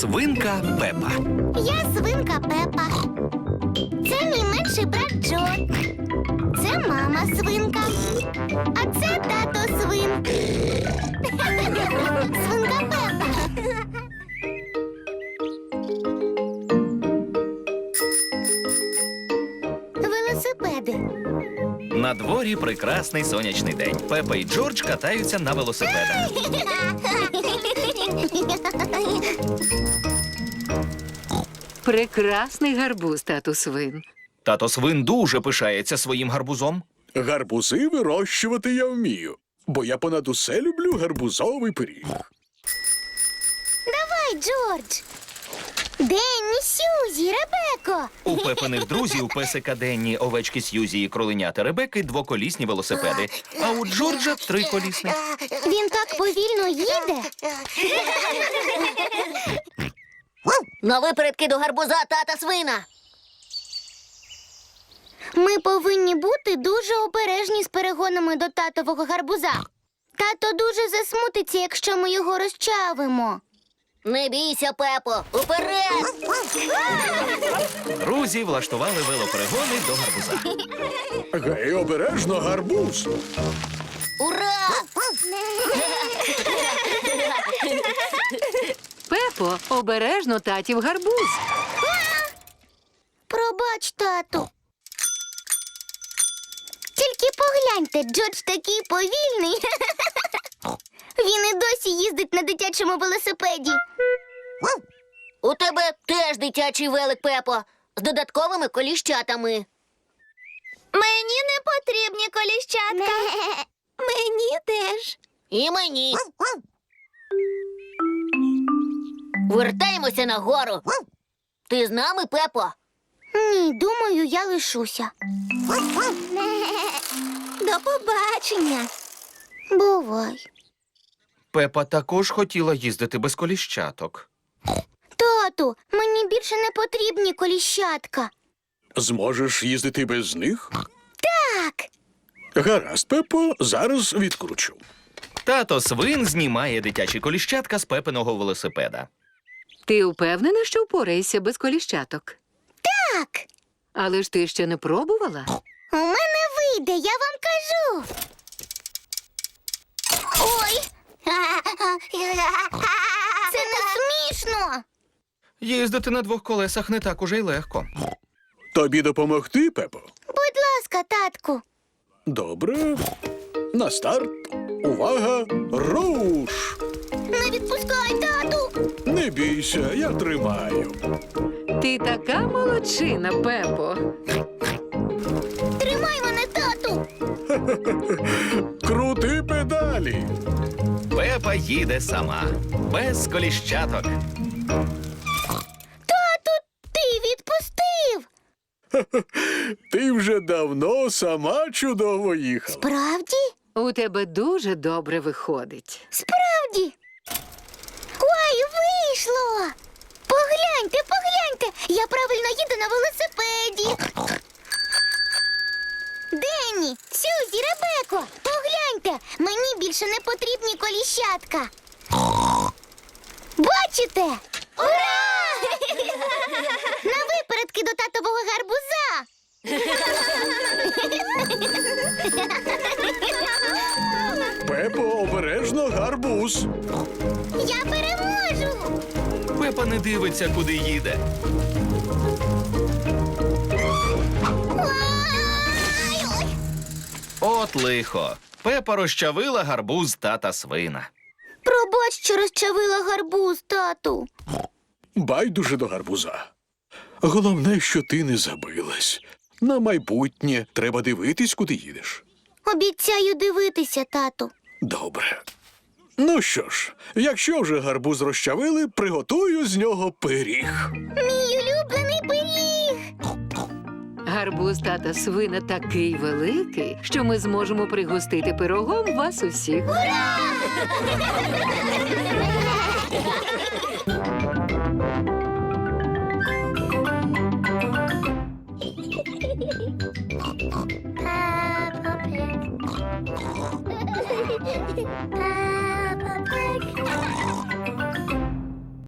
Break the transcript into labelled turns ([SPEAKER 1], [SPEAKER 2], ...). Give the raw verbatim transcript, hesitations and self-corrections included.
[SPEAKER 1] Свинка Пепа.
[SPEAKER 2] Я свинка Пепа. Це мій менший брат Джо. Це мама свинка. А це тато свин. Свинка Пепа. Велосипеди.
[SPEAKER 1] На дворі прекрасний сонячний день. Пепа і Джордж катаються на велосипедах.
[SPEAKER 3] Прекрасний гарбуз, тату свин.
[SPEAKER 1] Тато свин дуже пишається своїм гарбузом.
[SPEAKER 4] Гарбузи вирощувати я вмію, бо я понад усе люблю гарбузовий пиріг.
[SPEAKER 2] Давай, Джордж. Денні, Сюзі, Ребеко.
[SPEAKER 1] У Пепиних друзів песика Денні, овечки Сьюзі і кроленята Ребекки двоколісні велосипеди, а у Джорджа триколісний.
[SPEAKER 2] Він так повільно їде.
[SPEAKER 5] На випередки до гарбуза тата свина.
[SPEAKER 2] Ми повинні бути дуже обережні з перегонами до татового гарбуза. Тато дуже засмутиться, якщо ми його розчавимо.
[SPEAKER 5] Не бійся, Пепо, уперед!
[SPEAKER 1] Друзі влаштували велоперегони до гарбуза.
[SPEAKER 4] Гей, обережно, гарбуз!
[SPEAKER 5] Ура!
[SPEAKER 3] Пепо, обережно татів гарбуз.
[SPEAKER 2] Пробач, тату. Тільки погляньте, Джордж такий повільний. Він і досі їздить на дитячому велосипеді.
[SPEAKER 5] У тебе теж дитячий велик, Пепо, з додатковими коліщатами.
[SPEAKER 2] Мені не потрібні коліщатка. Мені теж.
[SPEAKER 5] І мені. Вертаємося нагору. Ти з нами, Пепо?
[SPEAKER 2] Ні, думаю, я лишуся. До побачення. Бувай.
[SPEAKER 1] Пепа також хотіла їздити без коліщаток.
[SPEAKER 2] Тату, мені більше не потрібні коліщатка.
[SPEAKER 4] Зможеш їздити без них?
[SPEAKER 2] Так.
[SPEAKER 4] Гаразд, Пепо, зараз відкручу.
[SPEAKER 1] Тато свин знімає дитячі коліщатка з Пепиного велосипеда.
[SPEAKER 3] Ти впевнена, що впораєшся без коліщаток?
[SPEAKER 2] Так.
[SPEAKER 3] Але ж ти ще не пробувала?
[SPEAKER 2] У мене вийде, я вам кажу. Ой. Це не смішно.
[SPEAKER 1] Їздити на двох колесах не так уже й легко.
[SPEAKER 4] Тобі допомогти, Пепо?
[SPEAKER 2] Будь ласка, татку.
[SPEAKER 4] Добре. На старт. Увага! Руш!
[SPEAKER 2] Не відпускай, тату.
[SPEAKER 4] Не бійся, я тримаю.
[SPEAKER 3] Ти така молодчина, Пепо.
[SPEAKER 2] Тримай мене, тату.
[SPEAKER 4] Крути педалі.
[SPEAKER 1] Пепа їде сама, без коліщаток.
[SPEAKER 2] Тату, ти відпустив.
[SPEAKER 4] Ти вже давно сама чудово їхала.
[SPEAKER 2] Правді?
[SPEAKER 3] У тебе дуже добре виходить.
[SPEAKER 2] Справді. Ой, вийшло. Погляньте, погляньте. Я правильно їду на велосипеді. Денні, Сюзі, Ребеко, погляньте. Мені більше не потрібні коліщатка. Бачите? Ура! На випередки до татового гарбуза.
[SPEAKER 4] Пепо, обережно, гарбуз.
[SPEAKER 2] Я переможу.
[SPEAKER 1] Пепа не дивиться, куди їде.
[SPEAKER 2] Ой, ой.
[SPEAKER 1] От лихо. Пепа розчавила гарбуз тата свина.
[SPEAKER 2] Пробач, що розчавила гарбуз, тату.
[SPEAKER 4] Байдуже до гарбуза. Головне, що ти не забилась. На майбутнє треба дивитись, куди їдеш.
[SPEAKER 2] Обіцяю дивитися, тату.
[SPEAKER 4] Добре. Ну що ж, якщо вже гарбуз розчавили, приготую з нього пиріг.
[SPEAKER 2] Мій улюблений пиріг.
[SPEAKER 3] Гарбуз тата свина такий великий, що ми зможемо пригостити пирогом вас усіх.
[SPEAKER 2] Ура!